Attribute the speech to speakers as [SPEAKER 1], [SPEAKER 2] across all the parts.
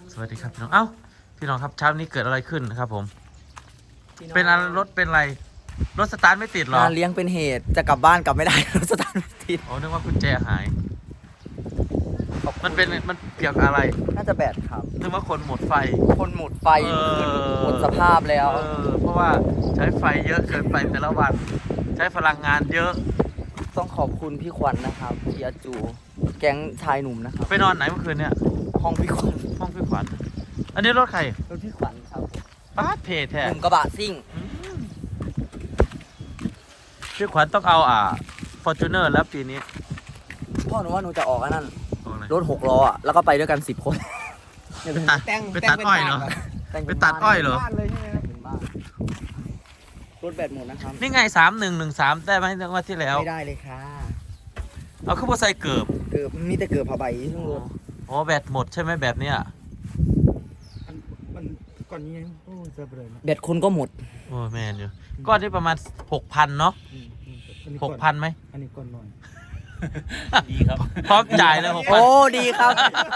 [SPEAKER 1] สวัสดีครับพี่น้องเอ้าพี่น้องครับเช้านี้เกิดอะไรขึ้นนะครับผมเป็นอะไรรถเป็นอะไรรถสตาร์ทไม่ติดหรอง
[SPEAKER 2] านเลี้ยงเป็นเหตุจะกลับบ้านกลับไม่ได้ รถสตาร์ทไม่ติด
[SPEAKER 1] อ๋อนึกว่ากุญแจหายมันเกี่ยวกับอะไร
[SPEAKER 2] น่าจะแบตครับ
[SPEAKER 1] นึกว่าคนหมดไฟ
[SPEAKER 2] คนหมดไฟ
[SPEAKER 1] เออ
[SPEAKER 2] หมดสภาพแล้ว
[SPEAKER 1] เพราะว่าใช้ไฟเยอะเกินไปแต่ละวันใช้พลังงานเยอะ
[SPEAKER 2] ต้องขอบคุณพี่ขวัญนะครับพี่อาจู แก๊งชายหนุ่มนะครับ
[SPEAKER 1] ไปนอนไหนเมื่อคืนเนี่ย
[SPEAKER 2] ห้องพี่ขวัญ
[SPEAKER 1] ห้องพี่ขวัญอันนี้รถใคร
[SPEAKER 2] รถพี่ขวัญครับ
[SPEAKER 1] ป้าดเพแท้
[SPEAKER 2] หนุ่มกระบะซิ่ง
[SPEAKER 1] พี่ขวัญต้องเอาฟอร์จูเนอร์แล้วปีนี้
[SPEAKER 2] พ่อหนูว่าหนูจะออกอันนั้น
[SPEAKER 1] เอาอะไร
[SPEAKER 2] รถ6 ล้ออ่ะแล้วก็ไปด้วยกัน10 คน
[SPEAKER 1] ไปตัดอ้อยเหรอ ไปตัดอ้อยเหรอ
[SPEAKER 3] บ้านเลยใช่ไหมครับ
[SPEAKER 2] เป็นบ้านรถแบตหมดนะครับ
[SPEAKER 1] นี่ไง3113ได้ไหมเมื่อวันที่แล้ว
[SPEAKER 2] ไม่ได้เลยค่ะ
[SPEAKER 1] เอาขึ้นมาใส่เกือบ
[SPEAKER 2] เกือบมีแต่เกือบผ้าใบทั้งรถ
[SPEAKER 1] อ๋อแบตหมดใช่ไหมแบบเนี้ย
[SPEAKER 3] มันก่อนนี้ยังโอ้จะเบลอนะ
[SPEAKER 2] แบตคนก็หมด
[SPEAKER 1] โอ้แมนอยู่ก้อนที่ประมาณ 6,000 เนาะ
[SPEAKER 3] อันนี้ก่อน
[SPEAKER 1] 6,000ไหม
[SPEAKER 3] อันนี้ก่อนหน่อย
[SPEAKER 1] ดีครับ พร้อมจ่ายเลย
[SPEAKER 2] โอ้ดีครับ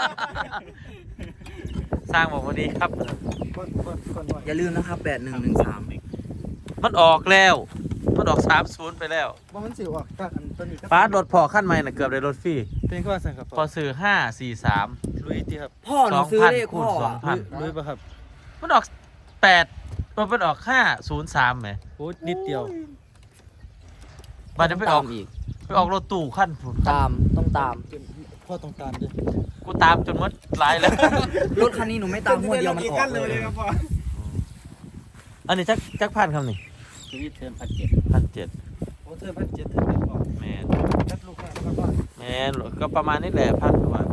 [SPEAKER 1] 6,000 สร้างบอกว่าดีครับ
[SPEAKER 3] ก่อนหน่อย
[SPEAKER 2] อย่าลืมนะครับ8113
[SPEAKER 1] มันออกแล้ว มันออก30ไปแล้ว
[SPEAKER 3] ว่ามันสิออกจากอันตัวนี้ก็
[SPEAKER 1] ป้ารถพอขั้นใหม่น่ะเกือบได้รถฟรี
[SPEAKER 3] เป็นก็ว่าสั่งครับ
[SPEAKER 1] พอซื้อ543
[SPEAKER 3] ลุยตีครับ
[SPEAKER 2] พ่อหนูซื้อเลข
[SPEAKER 1] 2,000คูณ
[SPEAKER 2] พ่ออะ
[SPEAKER 1] 2,000
[SPEAKER 3] ลุยป่ะครับ
[SPEAKER 1] มันออก8มันออก503ไหม
[SPEAKER 3] โอ้นิดเดียว
[SPEAKER 1] บัดนี้ไปออก
[SPEAKER 2] ตามอีก
[SPEAKER 1] ไปออกรถตู้ขั้นผุน
[SPEAKER 2] ตามต้องตาม
[SPEAKER 3] พ่อต้องตามด้วย
[SPEAKER 1] กูตามจนหมดหลายแล้ว
[SPEAKER 2] รถคันนี้หนูไม่ตามหัวเดียวมันออกเลย
[SPEAKER 3] พ่อ
[SPEAKER 1] อันนี้จักพันคำนี่
[SPEAKER 3] ชีวิตเทิร์น1,700
[SPEAKER 1] 1,700
[SPEAKER 3] โอ้เทิร์น1,700เทิร์นพ่อ
[SPEAKER 1] แมน
[SPEAKER 3] รับลูกค้าครับพ่อ
[SPEAKER 1] แมนก็ประมาณนี้แหละพันกว่าบาท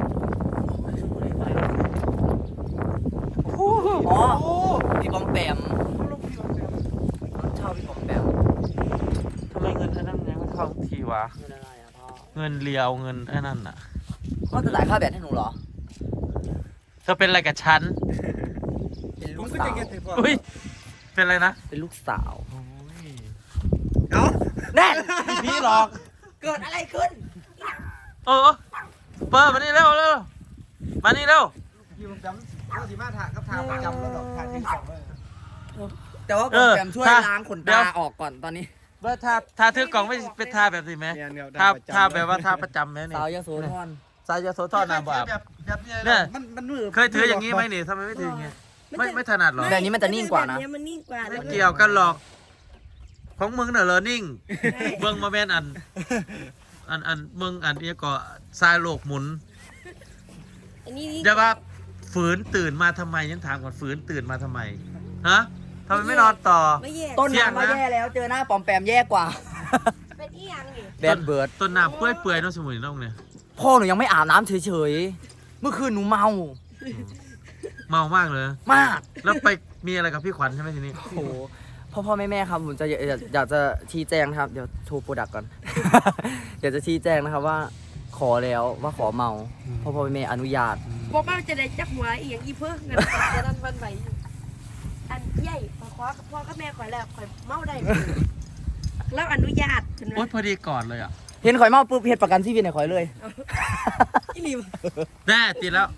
[SPEAKER 2] อ๋อพี่ปอมแปมรถเช่าพี่ปอมแปม
[SPEAKER 1] ทำไมเงินไอ้นั่นยังไม่เข้าทีวะ
[SPEAKER 2] เงินอะไรอะพ่อ
[SPEAKER 1] เงินเลียวเงินไอ้นั่นน่ะ
[SPEAKER 2] พ่อจะจ่ายค่าแบตให้หนูเหรอ
[SPEAKER 1] เธอเป็นอะไรกับฉัน
[SPEAKER 2] เป็น
[SPEAKER 3] ผ
[SPEAKER 2] ลู
[SPEAKER 3] ม
[SPEAKER 2] ก
[SPEAKER 3] ก็
[SPEAKER 2] สา
[SPEAKER 3] จะ
[SPEAKER 2] ว
[SPEAKER 3] เก็ตให้พ่อ
[SPEAKER 1] อุ้ยเป็นอะไรนะ
[SPEAKER 2] เป็นลูกสาว
[SPEAKER 3] เอ้า
[SPEAKER 2] แน่
[SPEAKER 1] พี่หลอก
[SPEAKER 2] เกิดอะไรขึ้น
[SPEAKER 1] เออเปิดมานี่เร็วมานี่เร็ว
[SPEAKER 3] อยู่จำก็สิมาถาครับทางประจำแล้วดอกทางที่สองเลย
[SPEAKER 2] แต่ว่าปอมแปมช่วยล้างขนตาออกก่อนตอนนี้
[SPEAKER 1] ว่าทาถือกล่องไม่เป็นทาแบบนี้ไหมทาแบบว่าทาประจำไหมนี่
[SPEAKER 2] สาวยโสธร
[SPEAKER 1] สายยาโสธรน้ำบาป
[SPEAKER 3] แบบนี้
[SPEAKER 1] เนี่ย
[SPEAKER 3] มันมือ
[SPEAKER 1] เคยถืออย่างนี้ไหมนี่ทำไมไม่ถืออย่างนี้ไม่ถนัดหรอ
[SPEAKER 2] แบบนี้มันจะนิ่งกว่านะ
[SPEAKER 4] แบบนี้มันนิ่งกว่า
[SPEAKER 1] ไม่เกี่ยวกันหรอก ของมึงน่ะเหรอนิ่งเบิ่งมาแม่นอันมึงอันนี้ก็ทรายโลกหมุน
[SPEAKER 4] อันนี้นี่
[SPEAKER 1] เดี๋ยวว่าฝืนตื่นมาทำไมยังถามก่อนฝืนตื่นมาทำไมฮะทำไมไม่นอนต่อ
[SPEAKER 4] ไม่แย่
[SPEAKER 2] ต้น
[SPEAKER 1] เสี่ยง
[SPEAKER 2] น้ำ
[SPEAKER 1] นะ
[SPEAKER 2] มาแย่แล้วเจอหน้าปอมแปมแย่กว่า
[SPEAKER 4] เป็นอีหยังนี่
[SPEAKER 2] แบดเบิร์ด
[SPEAKER 1] ต้นน้ำเปื่อยๆน้องสมุนน้องเนี่ย
[SPEAKER 2] พ่อหนูยังไม่อาบน้ำเฉยๆ เมื่อคืนหนูเมา
[SPEAKER 1] เมามากเลย
[SPEAKER 2] มาก
[SPEAKER 1] แล้วไปมีอะไรกับพี่ขวัญใช่ไหมทีนี้
[SPEAKER 2] โอ้โหพ่อแม่ครับผมจะอยากจะชี้แจงนะครับ เดี๋ยวโทรโปรดักก่อน อยากจะชี้แจงนะครับว่า ขอแล้วว่าขอเมาพ่อแม่อนุญาต
[SPEAKER 4] บอกว่าจะได้จักหัวอีหยังอีเพิ่งเงินจะดันวันไหวอันใหญ่ขอกับพ่อกับแม่ข่อยแล้วข่อยเมาได้แล้วอนุญาตเห็นไหม
[SPEAKER 1] โอ๊ยพอดีก่อนเลยอ่ะ
[SPEAKER 2] เห็นข่อยเมาปุ๊บเฮ็ดประกันชีวิตให้ข่อยเลย
[SPEAKER 4] อีหลิม
[SPEAKER 1] แน่ติดแล้ว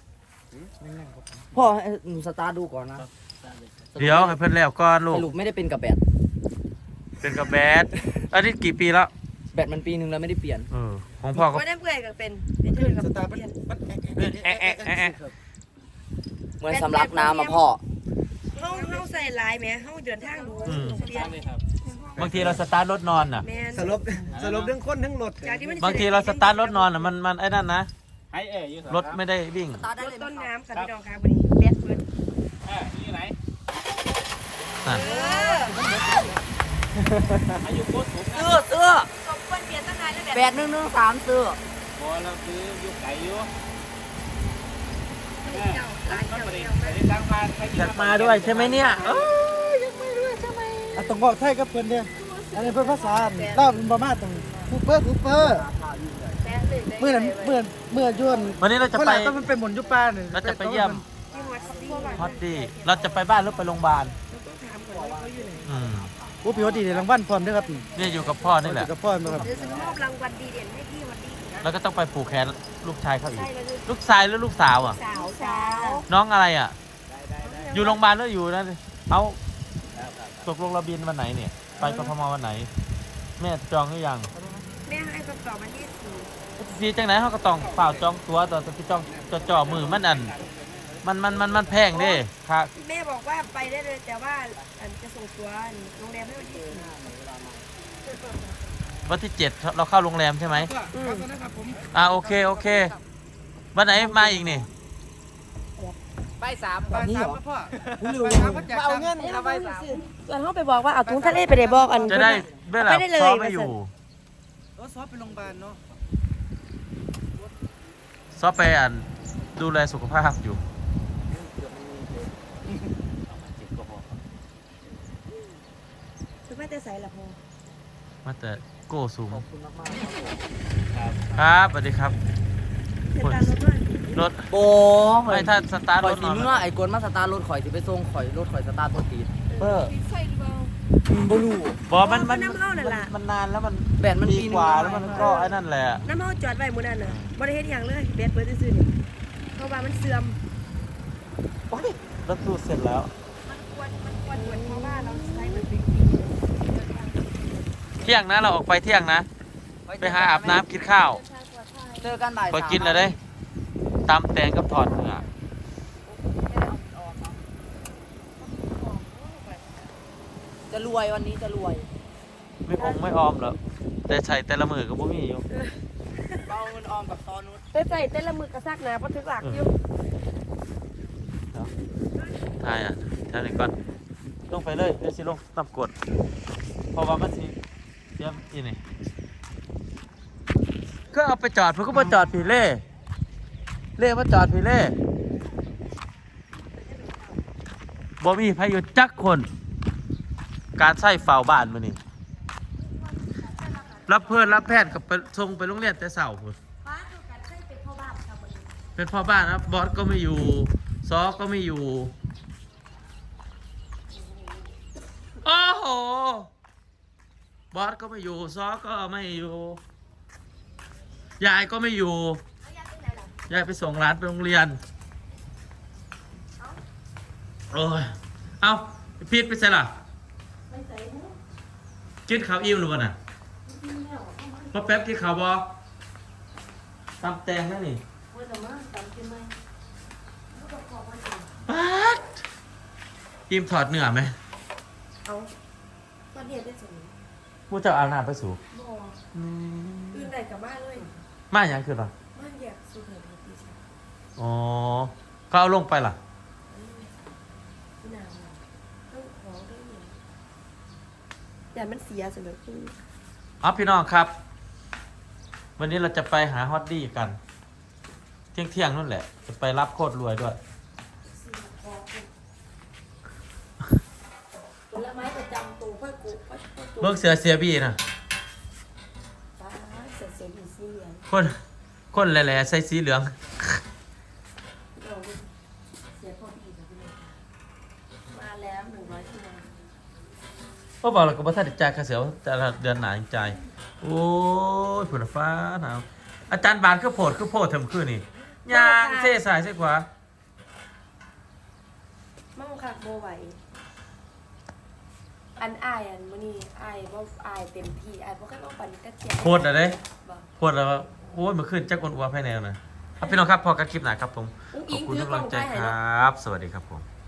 [SPEAKER 2] พ่อให้หนูสตาร์ทดูก่อนนะ
[SPEAKER 1] เดี๋ยวให้เพิ่นแล้วก่อนลู
[SPEAKER 2] ส
[SPEAKER 1] ก
[SPEAKER 2] รุปไม่ได้เป็นกับแบต
[SPEAKER 1] เป็นกับแบดอันนี้กี่ปีแล้ว
[SPEAKER 2] แบตมันปีนึงแล้วไม่ได้เปลี่ยน
[SPEAKER 1] ของพ่อก็
[SPEAKER 4] ไม่ได้เปื่อยกับเป็นเธอกับ
[SPEAKER 3] สตาร์
[SPEAKER 4] เปลี่ยน
[SPEAKER 3] มัน
[SPEAKER 2] เหมือนสำลักน้ำมาพ่อ
[SPEAKER 4] เฮาใส่ลายแหมเฮาเดินทางดูเปลี่ยน
[SPEAKER 1] บางทีเราสตาร์ทรถนอนอ่ะ
[SPEAKER 4] แม่น
[SPEAKER 3] สรุปเรื่องคนทั้งรถ
[SPEAKER 4] จากที่มัน
[SPEAKER 1] บางทีเราสตาร์ทรถนอนอ่ะมันไอ้นั่นนะ
[SPEAKER 5] ไอเอ๋อยู่
[SPEAKER 1] รถไม่ได้วิ่ง
[SPEAKER 2] สตาร์ทได้
[SPEAKER 4] รถ
[SPEAKER 2] เลย
[SPEAKER 4] ต้น
[SPEAKER 2] ไหมครับ
[SPEAKER 4] น้ำค่ะพี่น้องค่ะวันนี้แบดเบิร์ด
[SPEAKER 5] นี่ไหน
[SPEAKER 1] นั่น
[SPEAKER 5] อายุโคตรสูง
[SPEAKER 2] เสื้อ
[SPEAKER 4] สมควรเปลี่ยนตั้งนานแล้ว
[SPEAKER 2] แบต113เสื้อ
[SPEAKER 5] พอเราซื้อยุคไก่อยู่
[SPEAKER 4] เจ้าลาย
[SPEAKER 5] มัน
[SPEAKER 4] เจ้า
[SPEAKER 5] ประเด็น
[SPEAKER 4] เจ้า
[SPEAKER 5] ไปได้ตั้งมาไป
[SPEAKER 1] อยากมาด้วยใช่ไหมเนี่ย
[SPEAKER 3] ต้องบอกไทยกับเพื่อนเนี่ยอันนี้เพื่อนภาษาเล่าเป็นบามาตรงคูเปอร์
[SPEAKER 4] แบดเลย
[SPEAKER 3] เมื่อนั้นเมื่อยวน
[SPEAKER 1] วันนี้เราจะ
[SPEAKER 3] เมื่อ
[SPEAKER 1] ไป
[SPEAKER 3] ไหร่ต้องมันเป็นหมุนยุป้าเนี่ย
[SPEAKER 1] เราจะไปเยี่ยม
[SPEAKER 4] ที่วัดซี
[SPEAKER 1] ฮอตดี้เราจะไปบ้านหรือไปโรงพยาบาล
[SPEAKER 4] ต้องถามก่อนว่าเขาอยู่ไหน
[SPEAKER 1] อืม
[SPEAKER 3] โอ้พี่วัดดีรางวัลพร้อมด้วยครับ
[SPEAKER 1] เนี่ยอยู่กับพ่อนี่แหละ
[SPEAKER 3] กับพ่อมาครับ
[SPEAKER 4] เดี๋ยวจะมอบรางวัลดีเด่นให้พี่วันนี้นะ
[SPEAKER 1] แล้วก็ต้องไปผูกแขนลูกชายเขาอีก
[SPEAKER 4] ใช่แล้ว
[SPEAKER 1] ลูกชายหรือลูกสาวอ่ะ
[SPEAKER 4] สาว
[SPEAKER 1] น้องอะไรอ่ะ
[SPEAKER 5] ได้
[SPEAKER 1] อยู่โรงพยาบาลหรืออยู่นั่นเอาตกลงระบินวันไหนเนี่ย ไปกทมวันไหน แม่จองหรือยัง
[SPEAKER 4] แม่ให้คำตอบมาที่สี่
[SPEAKER 1] สีจังไหนเขาก็ต้องเปล่าจองตัวต่อที่จองจ่อมือมันมันแพงเด้ค่ะ
[SPEAKER 4] แม่บอกว่าไปได้เลยแต่ว่าอันจะส่งตัวโรงแรมให้วันที่สี่
[SPEAKER 1] วันที่7เราเข้าโรงแรมใช่ไหม
[SPEAKER 3] ครับนะครับผม
[SPEAKER 1] โอเควันไหนมาอีกนี่
[SPEAKER 3] ไป3วันนี้เหรอพ่อเอาเงินเอาไป3
[SPEAKER 4] ส่วนเขาไปบอกว่าเอาถุงทะเลไปได้บอกอัน
[SPEAKER 1] จะได้เวลา
[SPEAKER 4] ไปได้เลย
[SPEAKER 1] ซ้อมไม่อยู่
[SPEAKER 3] รถซอฟไปโรงพยาบาลเนาะ
[SPEAKER 1] ซ้อมไปดูแลสุขภาพอยู่
[SPEAKER 4] คือไม่ได้ใส่ละพอ
[SPEAKER 1] มาแต่โก้สูง
[SPEAKER 2] ขอบคุณมาก
[SPEAKER 1] ครับสวัสดีครับ
[SPEAKER 4] เป็นการลดด้วย
[SPEAKER 1] รถ
[SPEAKER 2] ๆโบ
[SPEAKER 1] ไม่ถ้าสตาร์ท
[SPEAKER 2] ข่
[SPEAKER 1] ร
[SPEAKER 2] อย
[SPEAKER 1] ถ
[SPEAKER 2] สี
[SPEAKER 1] นอน
[SPEAKER 2] เมื่อไอ้กวนมาสตาร์ทรถข่อยสิไปส่งข่อยรถข่อยสตาร์ทตัวตีด
[SPEAKER 1] เออ
[SPEAKER 4] ใส่หรือเปล่า
[SPEAKER 2] บ่รู้
[SPEAKER 1] บอกมัน
[SPEAKER 4] น้ำเข้านั่นล่ะ
[SPEAKER 1] มันนานแล้วมัน
[SPEAKER 2] แบตมัน
[SPEAKER 1] ปี
[SPEAKER 2] ปีนึง
[SPEAKER 1] กว่าแล้วมันก็ไอ้นั่นแหละ
[SPEAKER 4] น้ำเข้าจอดไว้หมื้อนั้นน่ะบ่ได้เฮ็ดหยังเลยเบสเปิดซื่อๆนี่เพราะว่ามันเสื่อม
[SPEAKER 1] โอ๊ยรถตู้เสร็จแล้ว
[SPEAKER 4] มันควรเพราะว่าเราใช้มันเป็น
[SPEAKER 1] เที่ยงนะเราออกไปเที่ยงนะ ไปหาอาบน้ำกินข้าว
[SPEAKER 2] เจอกันบ่าย
[SPEAKER 1] ไป
[SPEAKER 2] 3
[SPEAKER 1] กินเลยเด้ตำแตงกับทอดเนื้อ
[SPEAKER 2] จะรวยวันนี้จะรวย
[SPEAKER 1] ไม่องไม่ออมหรอกแต่ใส่แต่ละมือก็บ่มีอยู่
[SPEAKER 2] เอาเงินออมกับตอนนู้น
[SPEAKER 4] แต่ใส่แต่ละมือกระซักหนาบ่ถึงหลักอยู่
[SPEAKER 1] ทายทายหนึ่งก่อนลงไปเลยเดี๋ยวสิลงน้ำกรดเพราะว่ามันสิเตรียมอีนี่ก็เอาไปจอดเพื่อก็มาจอดผีเล่มาจอดผีเล่บ่มีพายุจักคน การใส่เฝ้าบ้านมานี่รับเพื่อนรับแพทย์กับไปส่งไปโรงเรียนแต่เสาร์พุ่น
[SPEAKER 4] ฟ้าคือการใช้เป็นพ่อบ้านค่ะมื้อนี้
[SPEAKER 1] เป็นพ่อบ้านนะบอสก็ไม่อยู่ซอก็ไม่อยู่โอ้โหบอสก็ไม่อยู่ซอก็ไม่อยู่ยายก็ไม่อยู่
[SPEAKER 4] เอาอยากไปไหนล่ะ
[SPEAKER 1] ยายไปส่งร้านไปโรงเรียนโอ้ยเอาพีทไปใส่ล่ะ
[SPEAKER 4] ไปใส่หู
[SPEAKER 1] กินข้าวอิ่มหรือเปล่าน่ะพอแป๊บกินข้าวบอตำแตงนั่นนี่
[SPEAKER 4] เมื่อมาตามกินไหมลูกประกอบมันเอง
[SPEAKER 1] ป๊าดอิ่มถอดเนื้อไหม
[SPEAKER 4] เอาตอนเรียนได้สม
[SPEAKER 1] ผู้เจ้าอาบน้ำไปสู่
[SPEAKER 4] บ่อื่นใดกับบ้านเลย
[SPEAKER 1] มาอย่างคือหรอ
[SPEAKER 4] บ้านแยกสุดเลยพี่ชาย
[SPEAKER 1] อ๋อเขาเอาลงไปล่ะ
[SPEAKER 4] พี่นางต้องขอได้ยังแต่มันเสียสำหรับพี่
[SPEAKER 1] อ๋อพี่น้องครับ วันนี้เราจะไปหาฮอตดี้กัน เที่ยงนั่นแหละ จะไปรับโคตรรวยด้วย
[SPEAKER 4] ผลไม้ประจำตัวพ่อกูพ่อตัว
[SPEAKER 1] เบิกเสือเสียบีนะ
[SPEAKER 4] ฟ้าเสียเสียดีสีเหลือง
[SPEAKER 1] คนแหล่ๆใส่สีเหลือง
[SPEAKER 4] เราเสียพ่อพี่กับพี่เลยมาแล้ว100ชั่วโมง
[SPEAKER 1] พ่อบอกเราก็บ่ทันได้จ่ายค่าเสียแต่ละเดือนหนาจังจ่ายโอ้ยฝนฟ้าหนาวอาจารย์บานคือโพดเทมคือนี่ยางเซ่สายเซ่ขวา
[SPEAKER 4] มั่งคักโบไหวอันอายอันมื้อนี้อายบ่อายเต็มที่อายบ่เคยมาปั่นกระเทียม
[SPEAKER 1] โพดอะไร
[SPEAKER 4] บ่
[SPEAKER 1] โพดแล้วโอ้ยมันขึ้นจักอ้วนๆภายในนะพี่น้องครับพอกันคลิปหนาครับผม
[SPEAKER 4] อุ้ง
[SPEAKER 1] ข
[SPEAKER 4] อิ
[SPEAKER 1] อบ
[SPEAKER 4] ง
[SPEAKER 1] คุณ
[SPEAKER 4] ถื
[SPEAKER 1] ทุ
[SPEAKER 4] อก กล้
[SPEAKER 1] กำลั
[SPEAKER 4] อง
[SPEAKER 1] งใจ
[SPEAKER 4] ไปให้
[SPEAKER 1] คร
[SPEAKER 4] เนาะ
[SPEAKER 1] ับ สวัสดีครับผม